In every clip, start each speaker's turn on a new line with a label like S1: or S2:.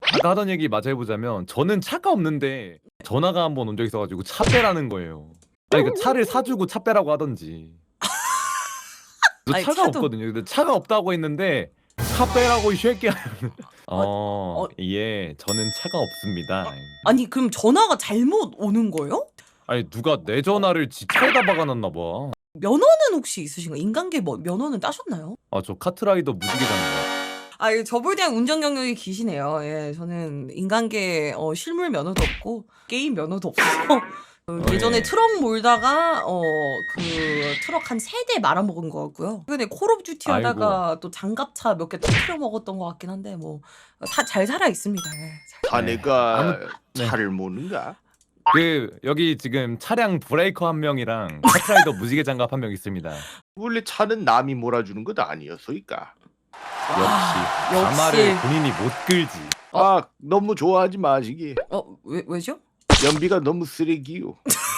S1: 아까 하던 얘기 마저 해보자면 저는 차가 없는데 전화가 한 번 온 적 있어가지고 차 빼라는 거예요. 아니 그 차를 사주고 차 빼라고 하던지. 저
S2: 아니,
S1: 차가
S2: 차도-
S1: 없거든요. 근데 차가 없다고 했는데 차 빼라고 이 새끼야.
S2: 어.
S1: 예, 저는 차가 없습니다.
S2: 아니 그럼 전화가 잘못 오는 거예요?
S1: 아니 누가 내 전화를 지 차에다 박아놨나 봐.
S2: 면허는 혹시 있으신가요? 인간계 뭐 면허는 따셨나요?
S1: 아 저 카트라이더 무지개잖아요.
S2: 아, 저불대한 운전 경력이 기시네요. 예, 저는 인간계 실물 면허도 없고 게임 면허도 없어서 예전에
S1: 예.
S2: 트럭 몰다가 그 트럭 한 3대 말아먹은 것 같고요. 최근에 콜 오브 듀티 하다가 또 장갑차 몇 개 터트려 먹었던 것 같긴 한데 뭐 잘 살아 있습니다. 예.
S3: 자네가
S1: 네.
S3: 차를 모는가?
S1: 그 여기 지금 차량 브레이커 한 명이랑 카트라이더 무지개 장갑 한 명 있습니다.
S3: 원래 차는 남이 몰아주는 것 아니었소이까?
S1: 역시
S2: 역시.
S1: 가마를 본인이 못 끌지.
S3: 아 너무 좋아하지 마시기.
S2: 왜죠?
S3: 연비가 너무 쓰레기요.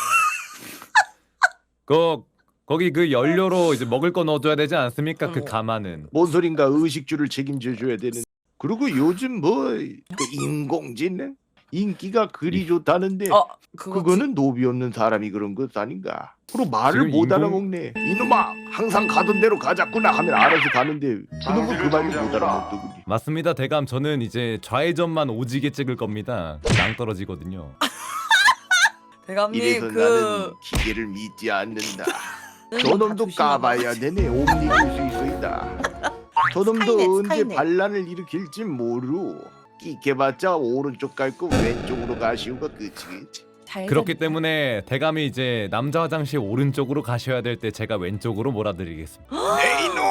S1: 거기 그 연료로 이제 먹을 거 넣어줘야 되지 않습니까? 그
S2: 어머.
S1: 가마는.
S3: 뭔 소린가 의식주를 책임져 줘야 되는. 그리고 요즘 그 인공지능 인기가 그리 좋다는데 그거는 노비 없는 사람이 그런 것 아닌가? 그리고 말을
S1: 지금
S3: 못 알아먹네. 이놈아 항상 가던 대로 가자꾸나 하면 알아서 가는데 그놈은 그 말도 못 알아먹더군요.
S1: 맞습니다, 대감. 저는 이제 좌회전만 오지게 찍을 겁니다. 낭 떨어지거든요.
S2: 대감님
S3: 이래서 나는 기계를 믿지 않는다. 저놈도 까봐야 되네. 옴니버스 있어이다. 저놈도
S2: 스카이넷,
S3: 언제
S2: 스카이넷.
S3: 반란을 일으킬지 모르. 끼게봤자 오른쪽 갈 거 왼쪽으로 가시오가 끝이겠지.
S1: 그렇기 때문에 대감이 이제 남자 화장실 오른쪽으로 가셔야 될 때 제가 왼쪽으로 몰아드리겠습니다.
S3: 내 이놈!